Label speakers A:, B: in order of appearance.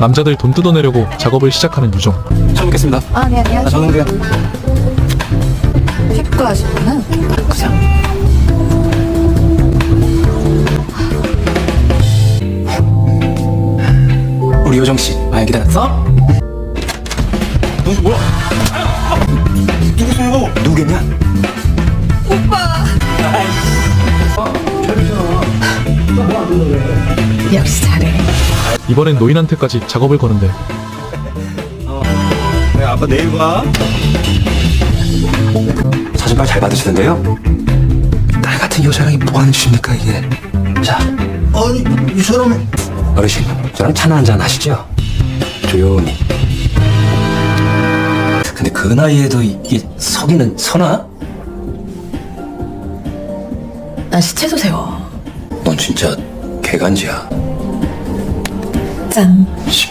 A: 남자들 돈 뜯어내려고 작업을 시작하는 유정.
B: 처음 뵙겠습니다.
C: 아, 네, 안녕하세요.
B: 저는 그냥
C: 피부과 하시구나.
B: 그냥 우리 요정 씨 많이 기다렸어? 너 뭐야? 누구세요? 누구겠냐?
C: 역시 잘해.
A: 이번엔 노인한테까지 작업을 거는데
B: 네, 아빠 내일 봐. 사진빨 잘 받으시던데요? 딸 같은 여자랑이 뭐 하는 짓입니까 이게? 자,
D: 아니 이 사람이
B: 어르신, 저랑 차나 한잔 하시죠? 조용히. 근데 그 나이에도 이게 서기는 서나?
C: 나 시체도 세워.
B: 넌 진짜 개간지야.
C: 짠.